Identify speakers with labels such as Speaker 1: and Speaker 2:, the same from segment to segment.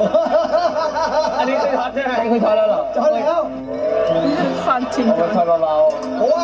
Speaker 1: อันนี้คือช็อตใช่ไหมอันนี้คือช็อตแล้วเหรอ
Speaker 2: ช็อตแล้ว
Speaker 3: ความจริง
Speaker 1: เอาช็อตเบา
Speaker 2: เพราะว่า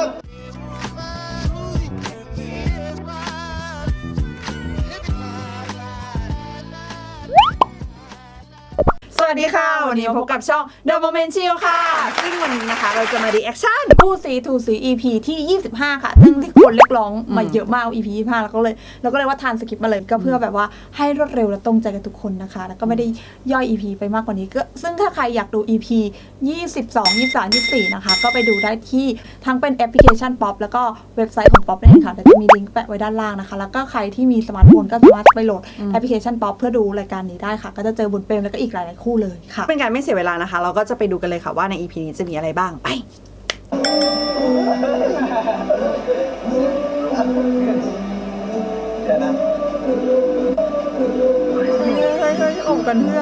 Speaker 3: สวัสดีค่ะวันนี้พบกับช่อง The Moment Chill ค่ะซึ่งวันนี้นะคะเราจะมารีแอคชั่นคู่ซีทูซี EP ที่25ค่ะซึ่งที่คนเรียกร้องมาเยอะมาก EP 25แล้วก็เลยว่าทานสคริปต์มาเลยก็เพื่อแบบว่าให้รวดเร็วและตรงใจกับทุกคนนะคะแล้วก็ไม่ได้ย่อย EP ไปมากกว่านี้ก็ซึ่งถ้าใครอยากดู EP 22 23 24นะคะก็ไปดูได้ที่ทั้งเป็นแอปพลิเคชัน Pop แล้วก็เว็บไซต์ของ Pop นั่นเองค่ะเดี๋ยวจะมีลิงก์แปะไว้ด้านล่างนะคะแล้วก็ใครที่มีสมาร์ทโฟนก็สามารถไปโหลดแอปพลิเคชัน Pop เพื่อดูรายการนี้ได้ค่ะก็จะเจอบุญเปรมแล้วก็อีกหลายๆคู่เลยค่ะเป็นการไม่เสียเวลานะคะเราก็จะไปดูกันเลยค่ะว่าใน EP นี้จะมีอะไรบ้างไป
Speaker 1: เดี๋ยวนะ
Speaker 3: เฮ้ยอมกันเพื่อ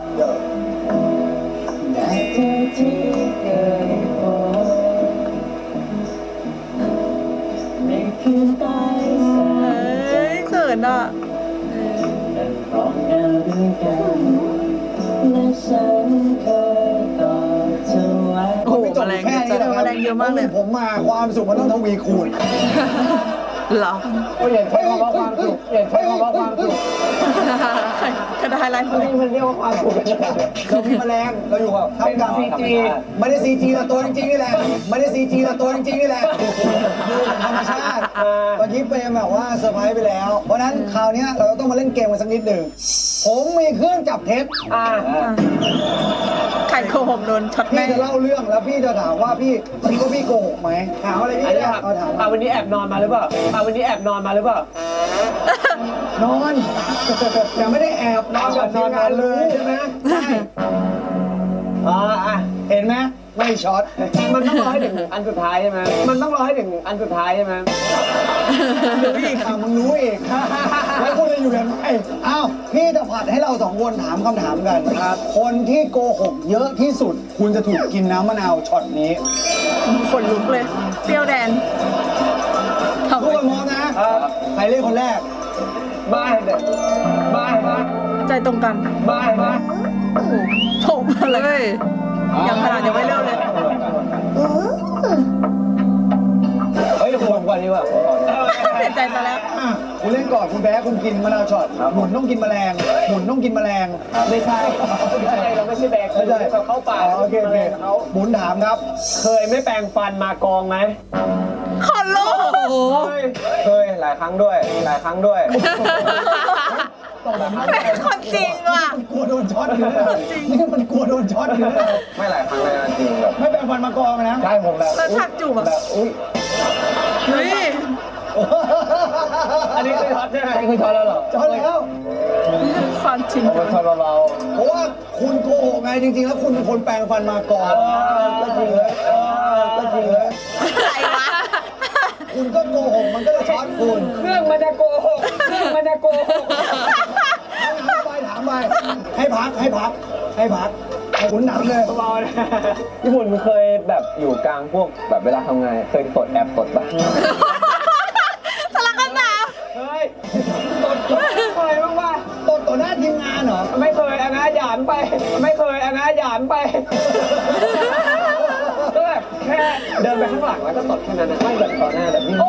Speaker 3: เขินอ่ะโอ้โหแมลงเจอแมลงเยอะมากเลย
Speaker 2: ผมมาความสุขมันต้องทวีคูณ
Speaker 3: เหรอ
Speaker 1: ก็อย่าใช้คำว่าความสุขอย่าใช้คำว่าความสุข
Speaker 3: กระดาษอะไร
Speaker 1: นี่มันเรียกว่าความสุข
Speaker 2: เรามีแมลงเราอยู่กับท่ามกลาง
Speaker 1: CG
Speaker 2: ไม่ได้ CG แต่ตัวจริงๆนี่แหละไม่ได้ CG แต่ตัวจริงๆนี่แหละอยู่กับธรรมชาติเมื่อกี้เฟรมแบบว่าเซอร์ไพรส์ไปแล้วเพราะนั้นคราวนี้เราต้องมาเล่นเกมกันสักนิดหนึ่งผมมีเครื่องจับเท็จ
Speaker 3: ไข่โกหกโดนช็อต
Speaker 2: พี่
Speaker 3: แม่
Speaker 2: จะเล่าเรื่องแล้วพี่จะถามว่าพี่คิดว่าพี่โกหกไหมถามอะไรพี่ได้เอาถามมา
Speaker 1: วันนี้แอบนอนมาหรือเปล่าวันนี้แอบนอนมาหรือเปล่าน
Speaker 2: อนแต่ไม่ได้แอบนอนกับทีมงานเลยใช่ไหมใช่เห็นไหมไม่ช็อต
Speaker 1: มันต้องรอให้ถึงอันสุดท้ายใช่ไหมมันต้องรอให้ถึงอันสุดท้ายใช่ไหม
Speaker 2: รู้อีกมึงรู้อีกแล้วคุณจะอยู่ยังไงอ้าวพี่จะผัดให้เราสองคนถามคำถามกันครับคนที่โกหกเยอะที่สุด คุณจะถูกกินน้ำมะนาวช็อตนี้
Speaker 3: ขนลุกเลยเปรี้ยวแดน
Speaker 2: ทุกคนมองนะใครเล่นคนแรก
Speaker 1: บ้าบ้า
Speaker 3: ใจตรงกัน
Speaker 1: บ้า
Speaker 3: โอ้โหผมอะไรยังขนาดยังไม่เริ่มเลย
Speaker 1: เฮ้ยผมก่อนดีกว่า
Speaker 3: เสียใจซะแล้ว
Speaker 2: คุณเล่นก่อนคุณแพ้คุณกินมะนาวช็อตหมุนต้องกินแมลงหมุนต้องกินแมลง
Speaker 1: ไม่ใช่เราไม่ใช่แบก
Speaker 2: ไม่ใช่
Speaker 1: เราเข้าป่า
Speaker 2: โอเคเขาหมุนถามครับ
Speaker 1: เคยไม่แปรงฟันมากองไหม
Speaker 3: ขนลุก
Speaker 1: เคยหลายครั้งด้วยหลายครั้งด้วย
Speaker 3: เป็นคนจริงว่ะ
Speaker 2: กลัวโดนช็อตอยู่แล้วนี่มันกลัวโดนช็อตอยู่แล้ว
Speaker 1: ไม่หลายครั้งเลยจริงแบบ
Speaker 2: ไม่แปลงฟันมากองนะ
Speaker 1: ใช่ผมแบบ
Speaker 3: แล้วฉากจูบอ่ะ
Speaker 1: อุ้ย
Speaker 3: เฮ้ย
Speaker 1: อันนี้คือช็อตใช่ไหมอันนี้คือช็อตแล้วเหรอ
Speaker 2: ช็อตแล้ว
Speaker 3: ความจริง
Speaker 1: เอาช็อตเบา
Speaker 2: เพราะว่าคุณโกหกไงจริงๆแล้วคุณเป็นคนแปลงฟันมากองก็จริงเลยก็จริงเลย
Speaker 3: อะไรวะ
Speaker 2: คุณก็โกหกมันก็จะช็อตคุณ
Speaker 1: เครื่องมันจะโกหกเครื่องมันจะโกหก
Speaker 2: ถามไปให้พักให้คุณถามเลย
Speaker 1: เบาๆนะญี่ปุ่นเคยแบบอยู่กลางพวกแบบเวลาทำงานเคยตดแอบตดป่ะ
Speaker 3: สลักกันหนาว
Speaker 1: เฮ้ยตดเคยบ้างป่ะ
Speaker 2: ตดต่อหน้าทีมงานเหรอ
Speaker 1: ไม่เคยอันนะหยามไป ไม่เคยอันนะหยามไปก็แบบแค่เดินไปข้างหลังแล้วก็ตดแค่นั้นนะไม่แบบต่อหน้าแบบนิ่ง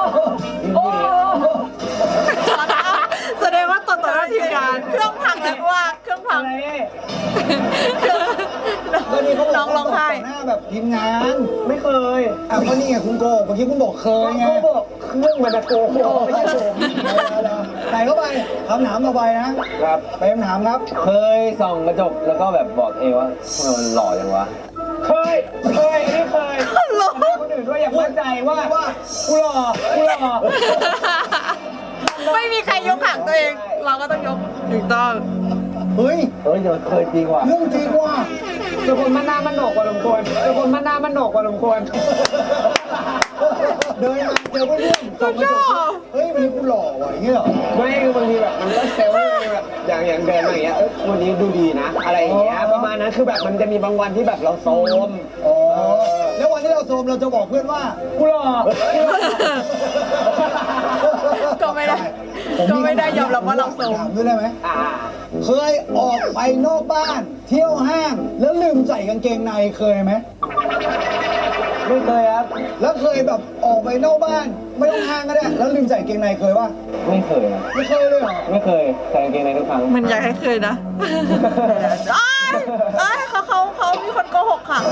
Speaker 1: ๆ
Speaker 3: แสดงว่าต่อหน้าทีมงานเครื่องพังแล้วว่าเครื่องพัง
Speaker 2: ก็นี่เขาบอก
Speaker 3: น้องร้องไห้
Speaker 2: ต่อหน้าแบบทีมงาน
Speaker 1: ไม่เคย
Speaker 2: ก็นี่ไงคุณโกหกเมื่อกี้คุณบอกเคยไง
Speaker 1: เขาบอกเครื่องมันจะโกหกไม่ใช่โกหก
Speaker 2: ใส่เข้าไปคำถามต่อไปนะครับ ไปคำถามครับ
Speaker 1: เคยส่องกระจกแล้วก็แบบบอกเองว่าทำไมมันหล่อจังวะเคยอันนี้เคยคนอื่นด้วยอยากมั่นใจว่ากูหล่อ
Speaker 3: ไม่มีใครยกหางตัวเอง เราก็ต้องยกถูกต้อง
Speaker 2: เฮ้ย
Speaker 1: เดี๋ยวเคยจริงว่ะ
Speaker 2: เรื่องจริงว่ะ
Speaker 1: เป็นคนมันหน้ามันโหนกกว่าลมควรเป็นคนมันหน้ามันโหนกกว่าลมควร
Speaker 2: เดินมาเจอเพื่อนๆส่องกระจกเฮ้ยวันนี้กูหล่อว่ะอย่างเงี้ยเหรอ
Speaker 1: ไม่คือบางทีแบบมันก็เซลล์แบบอย่างเดินมาอย่างเงี้ยวันนี้ดูดีนะ อะไรอย่างเงี้ยประมาณนั้นคือแบบมันจะมีบางวันที่แบบเราโซม
Speaker 2: อ๋อแล้ววันที่เราโซมเราจะบอกเพื่อนว่า
Speaker 1: กูหล่อ
Speaker 3: ก็ไม่ได้ก็ไม่ได้ยอมรับว่าเราโสม
Speaker 2: ถามด้วยได้ไหม
Speaker 1: อ่า
Speaker 2: เคยออกไปนอกบ้าน เที่ยวห้าง แล้วลืมใส่กางเกงในเคยไหม
Speaker 1: ไม่เคยครับ
Speaker 2: แล้วเคยแบบออกไปนอกบ้าน ไม่ต้องห้างก็ได้แล้วลืมใส่กางเกงในเคยป่ะ
Speaker 1: ไม่เคยนะ
Speaker 2: ไม่เคยเลยเหรอ
Speaker 1: ไม่เคยใส่กางเกงในทุกครั้ง
Speaker 3: มันอยากให้เคยนะเอ้ยเขามีคนโกหกค่ะ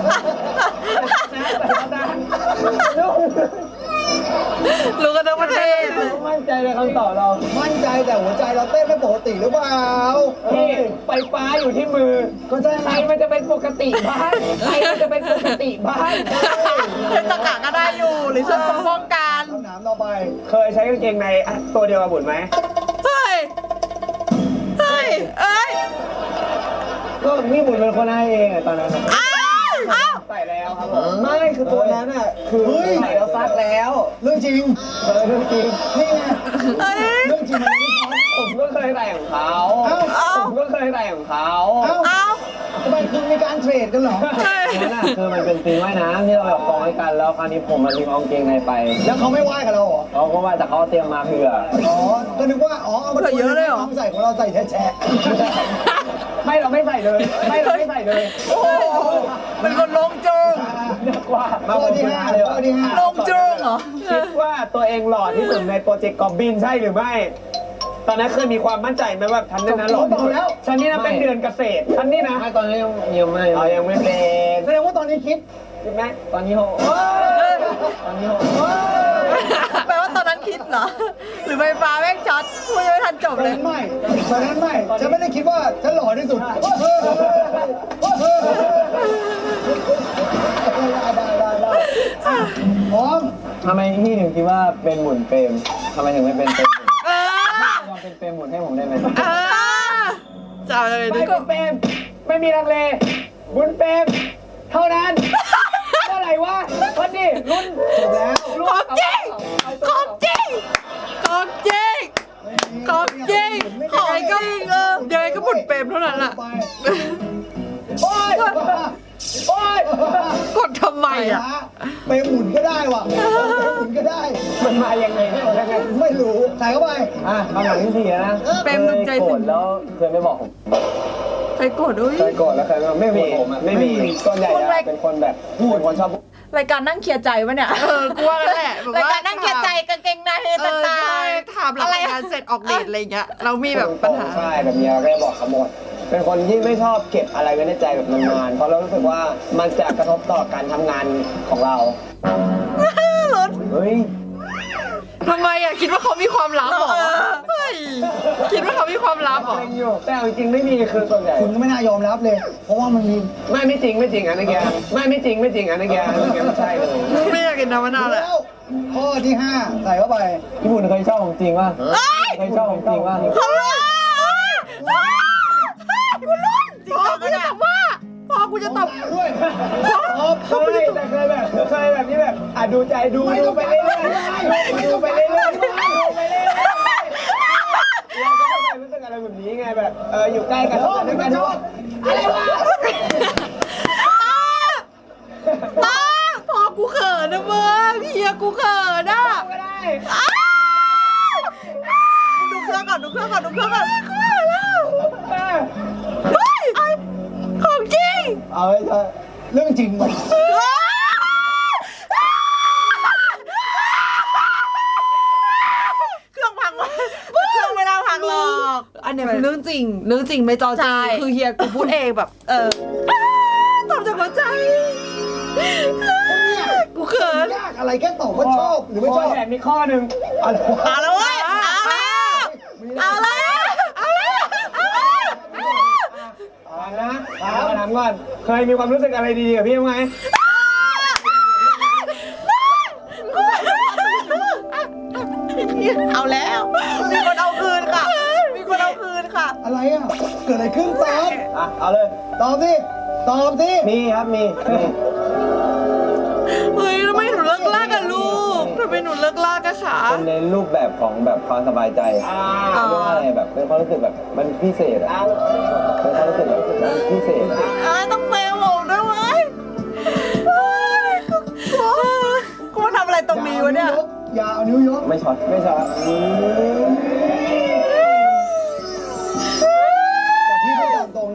Speaker 3: รู้กันทั้งประเทศ
Speaker 1: มั่นใจในคำตอบเรา
Speaker 2: มั่นใจแต่หัวใจเราเต้นไม่ปกติหรือเปล่า
Speaker 1: พี่ไฟฟ้าอยู่ที่มือ
Speaker 2: ก็ใช่
Speaker 1: ใครมันจะเป็นปกติบ้านใครมันจะเป็นปกติบ้าน
Speaker 3: เป็นตะกะก็ได้อยู่หรือช่วยป้องกัน
Speaker 2: คำถามต่อไป
Speaker 1: เคยใช้กางเกงในตัวเดียวกับบุญไหม
Speaker 3: เฮ้ยเฮ้ยเอ้ย
Speaker 1: ก็นี่บุญเป็นคนให้เองอะตอนนั้นอะ
Speaker 3: อ้าว
Speaker 1: ใส่แล้วครับผมไม่คือตัวนั้นอ่ะคือใส่แล้วซักแล้ว
Speaker 2: เรื่องจริง
Speaker 1: เรื่องจริง
Speaker 2: นี่ไง
Speaker 3: เฮ้ย
Speaker 2: เรื่องจริงมันไม่ช็อต
Speaker 1: ผมก็เคยใส่ของเขา
Speaker 2: เอ้า
Speaker 1: ผมก็เคยใส่ของเขา
Speaker 2: เอ้า
Speaker 3: เอ้า
Speaker 2: ทำไมคุณมีการเทรดกันเหรอ
Speaker 1: นั่นน่ะคือมันเป็นซีนว่ายน้ำที่เราแบบกองให้กันแล้วคราวนี้ผมมาลืมเอากางเกงในไป
Speaker 2: แล้วเขาไม่ไหว้กับเราเหรอ
Speaker 1: เขาก็ว่าแต่เขาเตรียมมาเผื่อ
Speaker 2: อ๋อ ก็นึกว่า อ๋อ เอามาตัวนึงน้องใส่ของเราใส่แฉะ
Speaker 1: ไม่เราไม่ใส่เลยไม่เราไม่ใส่เลย
Speaker 3: โอ้โหเป็นคนลงจุง
Speaker 1: เรียกว่า
Speaker 2: ๆข้อที่ห้าข้อที่ห้า
Speaker 3: ลงจุงเหรอ
Speaker 1: คิดว่าตัวเองหล่อที่สุดในโปรเจกต์กอบบินใช่หรือไม่ ตอนนั้นเคยมีความมั่นใจไหมว่าฉันนี่นะหล่อที่สุดฉันนี่นะเป็นเดือนเกษตรฉันนี่นะ
Speaker 4: ไม่ตอนนี้ยังไม่
Speaker 1: เรายังไม่เป็น
Speaker 2: แสดงว่าตอนนี้คิด
Speaker 1: ใช่ไหม
Speaker 4: ตอนนี้เขา
Speaker 1: ตอนนี้โห
Speaker 3: แปลว่าตอนนั้นคิดเหรอ หรือไฟฟ้าแม่งช็อตพูดยังไม่ทันจบ
Speaker 2: ตอน
Speaker 3: เลย
Speaker 2: นั้นไม่ตอนนั้นไม่ฉันไม่ได้คิดว่าฉันหล่อที่สุดได้พร้อม
Speaker 1: ทำไมพี่ถึงคิดว่าเป็นหมุนเปรมทำไมถึงไม่เป็นเปรมหมุน
Speaker 3: เออ
Speaker 1: ลองเป็นเปรมหมุนให้ผมได้ไหม
Speaker 3: เออจะเอาอะไร
Speaker 1: ไม่
Speaker 3: ดี
Speaker 1: เป็น
Speaker 3: ก็
Speaker 1: เปรมไม่มีลังเลบุญเปรมเท่านั้นเมื่อไหร่วะวันนี้รุ่น
Speaker 2: จบแล้ว
Speaker 3: ของจริงของจริงของจริงของจริงของจริงยังไงก็บุญเปรมเท่านั้นแหละ
Speaker 2: ไปโอ้ยโอ้ย
Speaker 3: กดทำไมอ่ะ
Speaker 2: ไปหมุนก็ได้ว่ะไปหมุนก็ได้
Speaker 1: มันมายังไงยังไง
Speaker 2: ไม่รู้ใส่เข้าไป
Speaker 1: อ่ะคำถามที่สี่นะ
Speaker 3: เปรมดวงใจ
Speaker 1: เคยโกร
Speaker 3: ถึ
Speaker 1: ธ
Speaker 3: ง
Speaker 1: แล้วเคยไม่บอกผม
Speaker 3: ใครโกรธอุ้ย
Speaker 1: เคยโกรธแล้วเคยไม่มีผมอะไม่มีส่วนใหญ่
Speaker 3: คนแรก
Speaker 1: อะเป็นคนแบบพูดคนชอบพูด
Speaker 3: รายการนั่งเคลียร์ใจวะเนี่ย
Speaker 5: กูว่ากันแหละแบบ
Speaker 3: ราย
Speaker 5: ว่า
Speaker 3: การนั่งเคลียร์ใจกางเกงในต่างๆ
Speaker 5: ถามหลังงานเสร็จออกเดทอะไรเงี้ยเรามีแบบปัญหา
Speaker 1: ใช่แบบมีอะไรก็บอกเขาหมด เป็นคนที่ไม่ชอบเก็บอะไรไว้ในใจแบบนานๆเพราะเรารู้สึกว่ามันจะกระทบต่อการทำงานของเรา
Speaker 3: รถ
Speaker 1: เฮ้ย
Speaker 5: ทำไมอ่ะคิดว่าเขามีความลับเหรอ
Speaker 3: เออ
Speaker 5: เฮ้ยคิดว่าเขามีความลับเหรอ
Speaker 1: เล็งอยู่แต่เอาจริงๆไม่มีคือส่วนใหญ่
Speaker 2: คุณก็ไม่น่ายอมรับเลย เพราะว่ามันมี
Speaker 1: ไม่จริงอันนี้แกไม่จริงอันนี้แกไม่ใช่เลย
Speaker 5: ไม่อยากกินน้ำมะนาวแหละ
Speaker 2: แล้วข้อที่ห้าใส่เข้าไป
Speaker 1: ญี่ปุ่นเคยชอบของจริงป่ะเคยชอบของจริงป่ะ
Speaker 3: เขาลุ้นกูลุ้น
Speaker 5: พ่อกูจะตอบว่าพ่อกูจะตอบ
Speaker 2: ด้วย
Speaker 1: เคยแต่เคยแบบนี้แบบดูใจดูไปเรื่อยๆดูไปเรื่อยๆเราก็ไม่รู้สึกอะไรแบบนี้ไงแบบอยู่ใกล้กันด้วยกันอะไรวะ
Speaker 5: ตาพ่อกูเขินนะมึงเฮียกูเขินอ่ะ
Speaker 1: ก็ได้
Speaker 3: ดูเครื่องก่อนดูเครื่องก่อนดูเครื่องก่อน
Speaker 5: ของจริง
Speaker 2: เอาไว้เถอะเรื่องจริงว่ะ
Speaker 3: เครื่องพังวะเครื่องไม่น่าพังหรอก
Speaker 5: อันเนี้ยเป็นเรื่องจริงไม่จอจ
Speaker 3: ใช่
Speaker 5: ริงคือเฮียกูพูดเองแบบตอบจากหัวใจกูเขิน
Speaker 2: ยากอะไรแค่ตอบว่าชอบหรือไม่ชอบ
Speaker 1: แต่มีข้อหนึ่ง
Speaker 2: อะไรวะ
Speaker 3: เอาแล้วเว้ยเอาแล้วเอาแล้วเอาแล้วเอาแล้ว
Speaker 1: ถามก่อนเคยมีความรู้สึกอะไรดีๆกับพี่ไหม
Speaker 3: เอาแล้วมีคนเอาคืนค่ะมีคนเอาคืนค่ะ
Speaker 2: อะไรอ่ะเกิดอะไรขึ้นตอบ
Speaker 1: เอาเลย
Speaker 2: ตอบสิตอบสิ
Speaker 1: มีครับมี
Speaker 5: เฮ้ยทำไมหนูเลิกลากกับลูกทำไมหนูเลิกลากกับขา
Speaker 1: เป็นในรูปแบบของแบบความสบายใจเรื่องอะไรแบบเป็นความรู้สึกแบบมันพิเศษอะเป็นความรู้สึกแบบมันพิเศษ
Speaker 3: ต้องเฟลผมด้วยเว้ยกูมาทำอะไรตรงนี้วะเนี่ย
Speaker 2: อย่าเอานิ้วยก
Speaker 1: ไม่ช็อต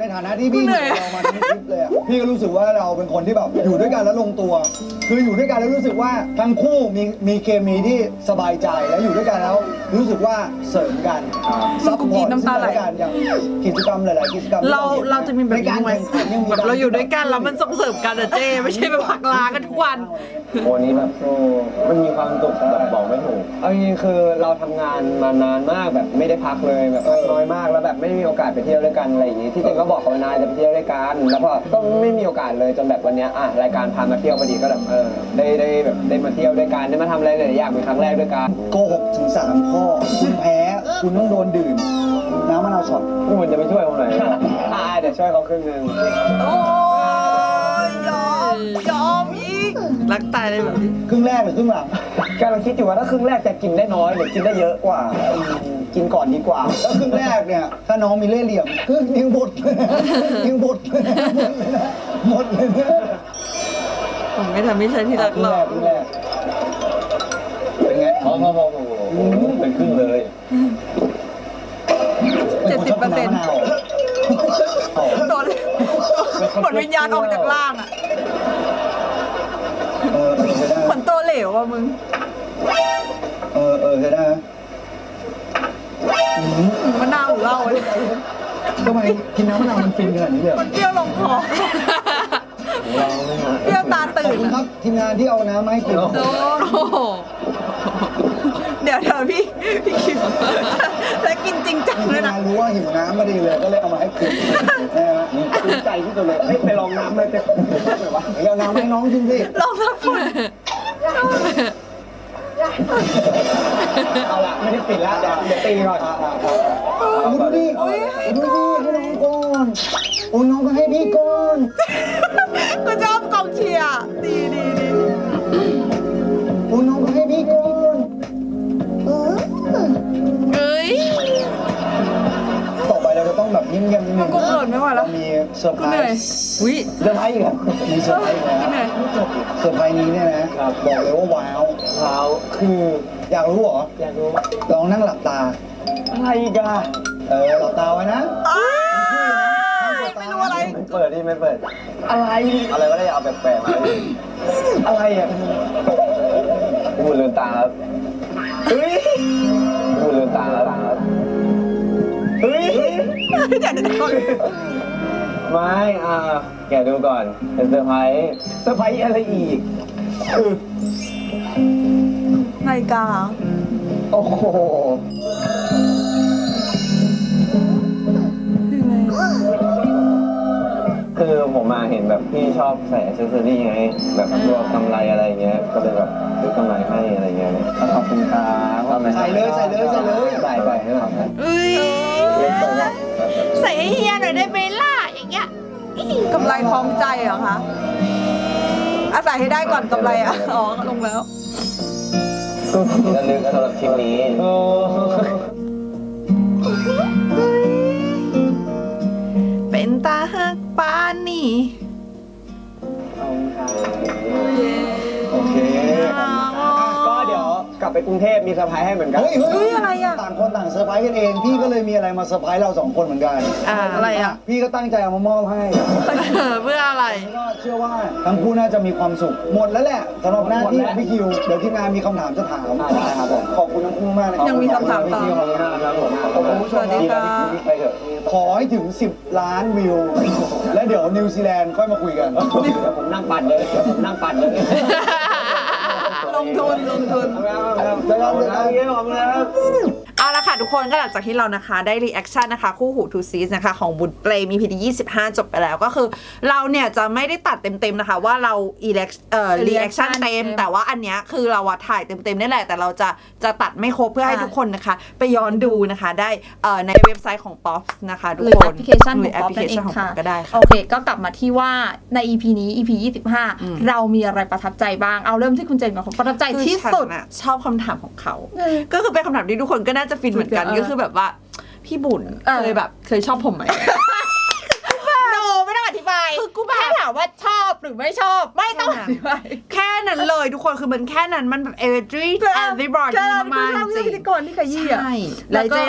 Speaker 2: ฐานะที่พี่อยู่กับเรามาทั้งคลิปเลยอะพี่ก็รู้สึกว่าเราเป็นคนที่แบบอยู่ด้วยกันแล้วลงตัว คืออยู่ด้วยกันแล้วรู้สึกว่าทั้งคู่มีเคมีที่สบายใจแล้วอยู่ด้วยกันแล้วรู้สึกว่าเสริมกันซัพพอร์ตซึ่งกันและกันอย่างกิจกรรมหลายๆกิจกรรม
Speaker 5: เราจะมีแบบนี้ไหมแบบเราอยู่ด้วยกันแล้วมันส่งเสริมกันอะเจ้ไม่ใช่ไปผลักลากันทุกวัน
Speaker 1: โอ้นี้แบบมันมีความสุขแบบบอกไม่ถูกเอาจริงๆคือเราทำงานมานานมากแบบไม่ได้พักเลยแบบน้อยมากแล้วแบบไม่มีโอกาสไปเที่ยวด้วยกันอะไรอย่างงี้ที่เจนก็บอกกับนายจะไปเที่ยวด้วยกันแล้วพอก็ไม่มีโอกาสเลยจนแบบวันเนี้ยรายการพามาเที่ยวพอดีก็แบบได้แบบได้มาเที่ยวด้วยกันได้มาทำอะไรหลายๆอย่างเป็นครั้งแรกด้วยกัน
Speaker 2: โกหกถึง3 ข้อคุณแพ้คุณต้องโดนดื่มน้ำมะนาวช็อต
Speaker 1: พวกมันจะไม่ช่วยผมหน่อยเดี๋ยวช่วยเขาครึ่งนึง
Speaker 5: โอ้ยยอมอีกรักตายเลยแบบนี้
Speaker 2: ครึ่งแรกหรือครึ่งหลัง
Speaker 1: กำลังคิดอยู่ว่าถ้าครึ่งแรกจะกินได้น้อยหรือกินได้เยอะกว่ากินก่อนดีกว่า
Speaker 2: แล้วครึ่งแรกเนี่ยถ้าน้องมีเล่ห์เหลี่ยมครึ่งยิงบดเลยยิงบดเลยหมดเลยนะ
Speaker 5: ผมไม่ทำไม่ใช่ที่รักหรอก
Speaker 2: ครึ่งแรกเป็นไง
Speaker 1: พอเป็นครึ่งเลย
Speaker 3: 70% ตัวเหมือนวิญญาณออกจากร่างอ่ะ
Speaker 2: ใช่ได้
Speaker 3: เหมือนตัวเหลวอ่ะมึง
Speaker 2: ใช่ได้นะ
Speaker 3: มะนาวหรือเหล้าเนี่ย
Speaker 2: ทำไมกินน้ำมะนาวมันฟินขนาดนี้เลย
Speaker 3: มันเปรี้ยวลงคอเปรี้ยวตา
Speaker 2: ขอบ
Speaker 3: ตื่น
Speaker 2: คุณค
Speaker 3: อะ
Speaker 2: รับทีมงานที่เอาน้ำมาให้กิน
Speaker 5: โอ้โห
Speaker 3: เดี๋ยวพี่คิวแล้วกินจริงจัง
Speaker 2: ทีม
Speaker 3: เลย
Speaker 2: งา
Speaker 3: นะ
Speaker 2: นรู้ว่าหิวน้ำมาดีเลยก็เลยเอามาให้กินนะฮะ
Speaker 1: ภูมิใจที่สุดเลยไปลองน้ำเลยจะเลยวะ
Speaker 2: เดี๋ยวเอาน้ำให้น้องกินสิ
Speaker 3: ลองรับฝุ่น
Speaker 1: เอาละไม่ได้ปิดละเดี๋ยวตีก่อน
Speaker 2: ดูดิดูดิให้น้องก่อนโอ้น้องก็ให้พี่ก่อน
Speaker 3: ก็ชอบกองเชียร์ดี
Speaker 2: โอ้น้องก็ให้พี่ก่อน
Speaker 5: เอ้ย
Speaker 2: ต่อไปเราจะต้องแบบยิ้มเงียบนิดนึ
Speaker 3: มัน
Speaker 2: ง
Speaker 3: กูเขินไม่ไหวแล้
Speaker 2: เรา
Speaker 3: ว
Speaker 2: มีเซอร์ไพ
Speaker 3: กู
Speaker 2: ร
Speaker 3: เหนื่อย
Speaker 2: ส์
Speaker 5: วิ
Speaker 1: เริ่มให้อีกแล้ว
Speaker 2: มีเซอร์ไพรส์แล้ว
Speaker 3: เหนื่อย
Speaker 2: เซอร์ไพรส์นี้เนี่ยนะบอกเลยว่าว้าว
Speaker 1: เท้าคือ
Speaker 2: อยากรู้เหรอ
Speaker 1: อยากรู้
Speaker 2: ลองนั่งหลับตา
Speaker 1: อะไรอีกัน
Speaker 2: หลับตาไว้นะ
Speaker 3: ไม่รู้อะไร
Speaker 1: ไม่เปิดดิไม่เปิด อะไรวะเนี่ยเอาแปลกๆมาดิอะไรอ่ะพูดลืมตาครับเฮ้ยพูดลืมตาแล้วเฮ้ย
Speaker 3: เดี๋ยว
Speaker 1: ไม่แกดูก่อนเป็นเซอร์ไพรส์อะไรอีก
Speaker 3: นาฬิกา
Speaker 1: โอ้โหคือผมมาเห็นแบบพี่ชอบใส่แอคเซสซอรี่ไงแบบพวกกำไรอะไรเงี้ยก็เลยแบบซื้อกำไรให้อะไรเงี้ยขอบคุณครับ
Speaker 2: ใส่เลยใส่เลยใส่เลย
Speaker 1: ใส่ไปให้หน่อยครับ
Speaker 5: เอ้ยใส่ให้เฮียหน่อยได้ไหมล่ะอย่างเงี้ย
Speaker 3: กำไรคล้องใจเหรอคะอาศัยให้ได้ก่อนกำไรอ่ะ อ๋อ ลงแล้ว
Speaker 1: ก็ระลึกสำหรับทริปนี้
Speaker 5: เป็นตาหักปานนี่
Speaker 2: โอเค
Speaker 1: ก็เดี๋ยวกลับไปกรุงเทพมีเซอร์ไพรส์ให้เหมือนกัน
Speaker 2: เฮ้ย
Speaker 3: เฮ้ยอะไรอ่ะ
Speaker 2: ต่างคนต่างเซอร์ไพรส์กันเอง พี่ก็เลยมีอะไรมาเซอร์ไพรส์เรา2 คนเหมือนกัน
Speaker 3: อะไรอ่ะ
Speaker 2: พี่ก็ตั้งใจเอามามอบให้
Speaker 5: เพื่ออะไร
Speaker 2: แล้วก็เชื่อว่าทั้งคู่น่าจะมีความสุข หมดแล้วแหละสำหรับหน้าที่ของพี่คิว เดี๋ยวทีมงานมีคำถามจะถาม
Speaker 1: ได้ครับผม
Speaker 2: ขอบคุณทั้งคู่มากนะครับ
Speaker 3: ยังมีคำถามต่อ
Speaker 2: ขอบคุณครับผมขอบคุณผู้ชม
Speaker 3: สวัสดีค่ะ
Speaker 1: ไปเถอะ
Speaker 2: ขอให้ถึง 10 ล้านวิว และเดี๋ยวนิวซีแลนด์ค่อยมาคุยกัน
Speaker 1: เดี๋ยวผมนั่งปั่นเลย
Speaker 3: ลงทุน
Speaker 5: เอาละค่ะทุกคนก็หลังจากที่เรานะคะได้รีแอคชั่นนะคะคู่หูทูซีสนะคะของบุญเปรมีพีที่25 จบไปแล้วก็คือเราเนี่ยจะไม่ได้ตัดเต็มๆนะคะว่าเรารีแอคชั่นเต็มแต่ว่าอันเนี้ยคือเราถ่ายเต็มๆนี่แหละแต่เราจะตัดไม่ครบเพื่อให้ทุกคนนะคะไปย้อนดูนะคะได้ในเว็บไซต์ของ Pop นะคะทุก
Speaker 3: หรือ
Speaker 5: ค
Speaker 3: แอน ปพลิเคชัน
Speaker 5: ห
Speaker 3: ข
Speaker 5: รือ อง แอป
Speaker 3: ป๊อ
Speaker 5: พ
Speaker 3: ป
Speaker 5: ลิเค
Speaker 3: นั่นเอ
Speaker 5: ชัน
Speaker 3: ง
Speaker 5: ของ
Speaker 3: ค่ะ
Speaker 5: Pop ก็ได้ค่ะ
Speaker 3: โอเค ก็กลับมาที่ว่าใน EP นี้ EP 25 เรามีอะไรประทับใจบ้าง เอาเริ่มที่คุณเจนก่อนประทับใจที่สุด
Speaker 5: คือฉันน่ะชอบคำถามของเขา ก็คือเป็นคำถามที่ทุกคนก็น่าจะฟินเหมือนกัน
Speaker 3: เออ
Speaker 5: ก็คือแบบว่าพี่บุญเคยชอบผมไหม
Speaker 3: โนไม่ต้องอธิบาย
Speaker 5: คือกูแบบ
Speaker 3: แค่ถามว่าชอบหรือไม่ชอบ ไม่ต้องอธิบาย
Speaker 5: แค่นั้นเลยทุกคนคือมันแค่นั้นมันแบบ everybody
Speaker 3: แค่
Speaker 5: มากๆจ
Speaker 3: ชอบ
Speaker 5: ริ
Speaker 3: พิธี
Speaker 5: ง
Speaker 3: กรที่ขยี้อ่ะ
Speaker 5: ใช่
Speaker 3: แล้
Speaker 5: แล้ว ว
Speaker 3: ก็
Speaker 5: เจล่ะ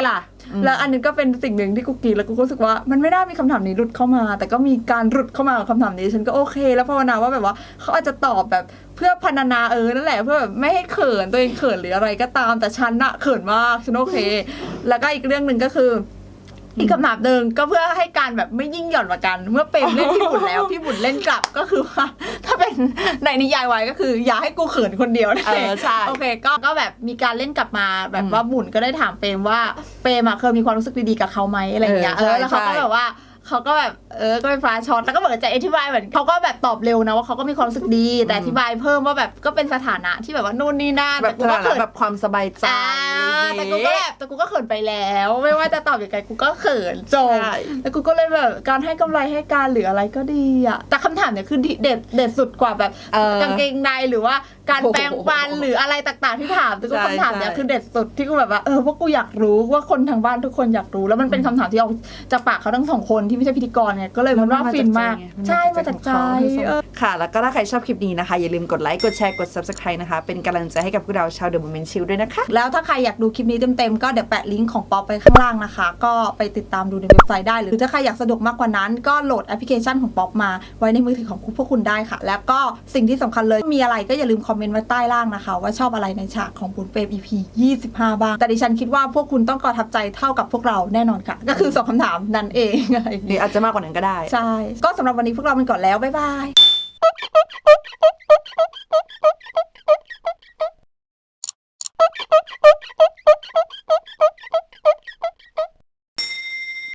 Speaker 3: แล้วอันนี้ก็เป็นสิ่งหนึ่งที่กูกรีดแล้วกูรู้สึกว่ามันไม่น่ามีคำถามนี้หลุดเข้ามา แต่ก็มีการหลุดเข้ามากับคำถามนี้ฉันก็โอเค แล้วภาวนาว่าแบบว่าเขาอาจจะตอบแบบเพื่อพรรณนานั่นแหละเพื่อแบบไม่ให้เขินตัวเองเขินหรืออะไรก็ตามแต่ฉันอะเขินมากฉันโอเค แล้วก็อีกเรื่องหนึ่งก็คืออีกคำถามหนึ่งก็เพื่อให้การแบบไม่ยิ่งหย่อนกว่ากัน เมื่อเปรมเล่นพี่บุญแล้วพี่บุญเล่นกลับก็คือว่าถ้าเป็นในนิยายวายก็คืออย่าให้กูเขินคนเดียวนะ
Speaker 5: ใช่
Speaker 3: โอเคก็แบบมีการเล่นกลับมาแบบว่าบุญก็ได้ถามเปรมว่าเปรมอะเคยมีความรู้สึกดีๆกับเขาไหมอะไรอย่างเงี้ยแล้วเขาก็แบบว่าเขาก็แบบก็เป็นฟ้าช็อตแล้วก็เหมือนจะอธิบายเหมือนเขาก็แบบตอบเร็วนะว่าเขาก็มีความรู้สึกดีแต่อธิบายเพิ่มว่าแบบก็เป็นสถานะที่แบบว่านู่นนี่นั่น
Speaker 5: แบบ
Speaker 3: กูก็เขิน
Speaker 5: แบบความสบายใจ
Speaker 3: แต่กูก็แบบแต่กูก็เขินไปแล้ว ไม่ว่าจะตอบยังไงกูก็เขินจง
Speaker 5: ใช่
Speaker 3: แล้วกูก็เลยแบบการให้กำไรให้การหรืออะไรก็ดีอะแต่คำถามเนี่ยคือเด็ดสุดกว่าแบบกางเกงในหรือว่าการแปรงฟันหรืออะไรต่างๆที่ถามแต่กูคำถามเนี่ยคือเด็ดสุดที่กูแบบว่าพวกกูอยากรู้ว่าคนทางบ้านทุกคนอยากรู้แล้วมันเป็นคำถามที่ออกจากปากเขาทั้งสองคนที่ไม่ใช่พิธีกรเนี่ยก็เลยมันว่าฟินมากใช่มาจากใจ
Speaker 5: ค่ะ แล้วก็ถ้าใครชอบคลิปนี้นะคะ อย่าลืมกดไลค์กดแชร์กด subscribe นะคะ เป็นกำลังใจให้กับพวกเราชาว The Moment Chill ด้วยนะคะ
Speaker 3: แล้วถ้าใครอยากดูคลิปนี้เต็มๆก็เดี๋ยวแปะลิงก์ของป๊อปไปข้างล่างนะคะ ก็ไปติดตามดูในเว็บไซต์ได้ หรือถ้าใครอยากสะดวกมากกว่านั้นก็โหลดแอปพลิเคชันของป๊อปมาไว้ในมือถือของพวกคุณได้ค่ะ แล้วก็สิ่งที่สำคัญเลยมีอะไรก็อย่าลืมคอมเมนต์ไว้ใต้ล่างนะคะว่าชอบอะไรในฉากของบุญเปรม EP 25 บ้างแต่ดิฉันคิดว่าพวกคุณต้องประทับใจเท่ากับพวกเราแน่นอนค่ะ ก็คือ2คำถามนั่นเองอะไรอย่าง
Speaker 5: หรื
Speaker 3: เงี้
Speaker 5: อย อาจจะมากกว่านั้นก็ได้
Speaker 3: ใช่ก็สำหรับวันนี้พวกเราไปก่อนแล้วบ๊ายบาย